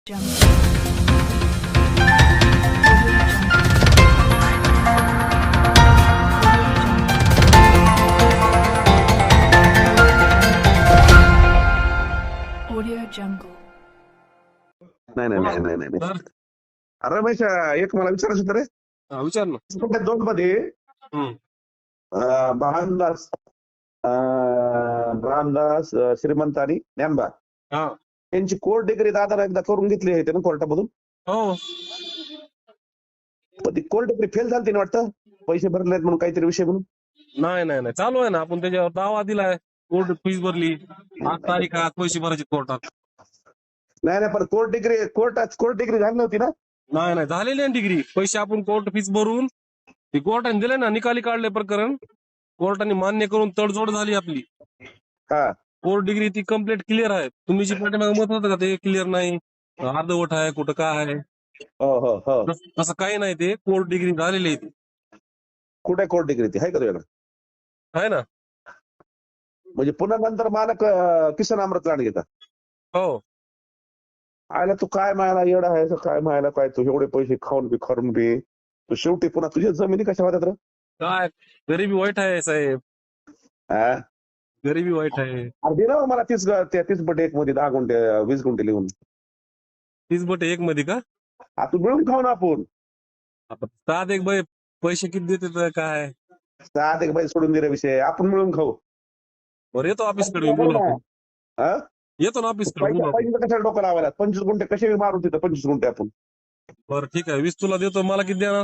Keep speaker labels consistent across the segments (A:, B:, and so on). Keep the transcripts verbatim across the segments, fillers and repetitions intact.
A: Audio Jungle.
B: नाही नाही नाही नाही नाही
C: तर
B: अरे रमेश एक मला विचारायचं होतं रे.
C: हा, विचार ना.
B: त्या दोन मध्ये
C: हम्म.
B: अं, भानदास अं, रामदास अं, श्रीमंत आणि ज्ञानबा
C: हा.
B: यांची कोर्ट डिग्री दादाला एकदा करून घेतली आहे ना कोर्टामधून.
C: हो.
B: पण ती कोर्ट डिग्री फेल झाली ना वाटतं, पैसे भरले म्हणून काहीतरी विषय म्हणून.
C: नाही नाही नाही चालू आहे ना, आपण त्याच्यावर दावा दिलाय, कोर्ट फीस भरली, आठ तारीख आहे, आज पैसे भरायचे कोर्टात.
B: नाही नाही पण कोर्ट डिग्री कोर्टात कोर्ट डिग्री झाली नव्हती ना.
C: नाही नाही झालेली आहे डिग्री, पैसे आपण कोर्ट फीस भरून ती कोर्टाने दिले ना, निकाली काढले प्रकरण, कोर्टाने मान्य करून तडजोड झाली आपली.
B: हा
C: कोर्ट डिग्री ती कम्प्लीट क्लिअर आहे. तुम्ही जी पाठीमागे मत होतं का ते क्लिअर नाही, अर्धवट आहे, कुठं काय आहे,
B: हो हो हो
C: तस- तसं काही नाही, ते कोर्ट डिग्री झालेली आहे ती.
B: कुठे कोर्ट डिग्री ती आहे का तुझ्याकडे?
C: आहे ना.
B: म्हणजे पुन्हा नंतर मालक अं, किसन अमृत लांड घेतात.
C: हो.
B: आयला तू काय मायला येडा आहे का काय मायला काय तू एवढे पैसे खाऊन बी खरून बी तू शेवटी पुन्हा तुझ्या जमिनी कशा होत्यात रे?
C: काय गरिबी वाईट आहे साहेब,
B: हा?
C: गरिबी वाईट आहे.
B: अरे दे ना हो मला तीस ग- त्या तीस बट एक मध्ये दहा गुंठे वीस गुंठे लिहून.
C: तीस बट एक मध्ये का?
B: आ, तू मिळून खाऊ ना आपण.
C: आता सात एक बाई पैसे किती देते तर काय?
B: सात एक बाई सोडून दिला विषय, आपण मिळून खाऊ.
C: बरं येतो ऑफिस कडे बोलू आपण.
B: हा?
C: येतो ना ऑफिस कडे बोलू
B: पैसे
C: आपण.
B: पैसे कशाला डोकं लावायला? पंचवीस गुंठे कसे बी मारून तिथं पंचवीस गुंठे आपण.
C: बरं ठीक आहे, वीस तुला देतो, मला किती देणार?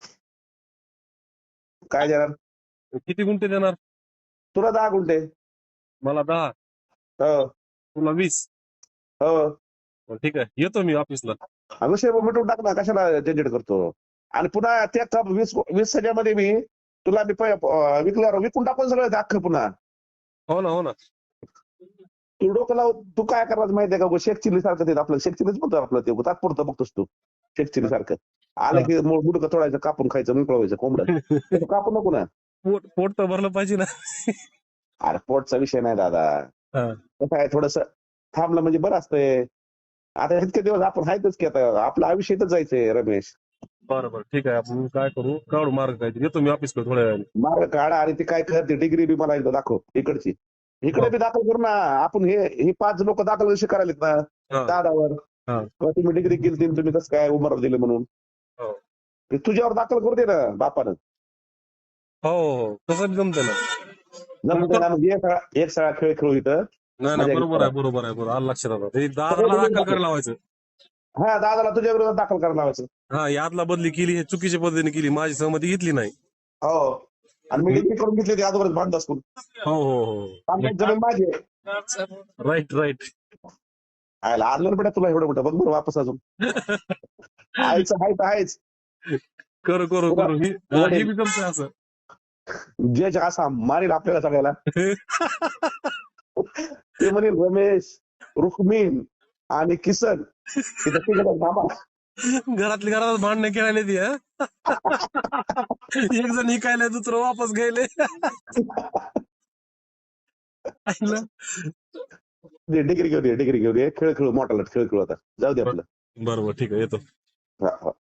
B: काय देणार?
C: किती गुंठे देणार?
B: तुला दहा गुंठे.
C: मला दहा,
B: हो
C: तुला वीस.
B: हो
C: बरं, ठीक आहे, येतो मी ऑफिसला.
B: हा विषय मिटून टाक ना, कशाला झंझट करतो. आणि पुन्हा त्या कप वीस वीस सजामध्ये मी तुला मी पै- अं, विकल्यावर विकून टाकून सगळं ते अख्खं पुन्हा.
C: हो ना, हो ना.
B: तू डोकं लाव, तू काय करायचं माहितीये का? शेख चिल्ली सारखं ते आपलं शेख चिल्लीच म्हणतो आपलं, ते तात्पुरतं बघतोस तू शेख चिल्ली सारखं. आलं की मुडकं तोडायचं, कापून खायचं, मोकळं व्हायचं कोंबडं. तसं कापू नको ना.
C: पोट पोट तर भरलं पाहिजे ना.
B: अरे पोटचा विषय नाही दादा.
C: हा.
B: कसं आहे, थोडस थांबलं म्हणजे बरं असतंय. आता इतके दिवस आपण आहेतच की, आता आपलं आयुष्य इथंच जायचंय रमेश.
C: बरं बरं ठीक आहे, आपण काय करू, काढू मार्ग काय. येतो मी ऑफिस कडे थोड्या वेळाने.
B: मार्ग काढा आणि ती काय करते डिग्री बी मला एकदा दाखव इकडची. इकडे बी दाखल करू ना आपण. हे हे पाच लोक दाखल कशी करायलेत ना
C: हा.
B: दादावर,
C: हा.
B: किंवा तुम्ही डिग्री केली तुम्ही कसं काय उमर दिले म्हणून,
C: हो
B: ते तुझ्यावर दाखल करू दे ना बापानं.
C: हो हो, तसं बी जमतं ना.
B: जमतंय ना, म्हणजे एक सगळा एक सगळा खेळ खेळू इथं.
C: नाही
B: मजा
C: नाही, बरोबर
B: घेऊ.
C: आहे, बरोबर आहे, बरोबर. आलं लक्षात आता. ते दादाला दाखल करायला लावायचं.
B: हा दादाला तुझ्या विरोधात दाखल करायला लावायचं.
C: हा, यादला बदली केली, हे चुकीच्या पद्धतीने केली, माझी सहमती घेतली नाही.
B: हो, आणि मी डिग्री करून घेतली ती अगोदरच भांडत असतो.
C: हो हो हो,
B: जमीन माझी आहे.
C: Right right.
B: आयला आलं बेटा तुला एवढं मोठं बघ बरं वापस अजून. आयचं हाय तर आहेच.
C: करू करू करू, ही हा, हे बी जमतंय असं.
B: जज असा मारेल आपल्याला सगळ्याला. ते म्हणेल रमेश, रुक्मिण आणि किसन इथं तिघं थांबा.
C: घरातली घरात भांडणं खेळायला ती, हा? एक जण इकायला, दुसरं वापस गेले.
B: डिग्री घेऊन ये, डिग्री घेऊन ये, खेळ खेळू, मोठा खेळ खेळू आता. जाऊ दे आपलं.
C: बरोबर ठीक आहे, येतो.
B: हा, हा.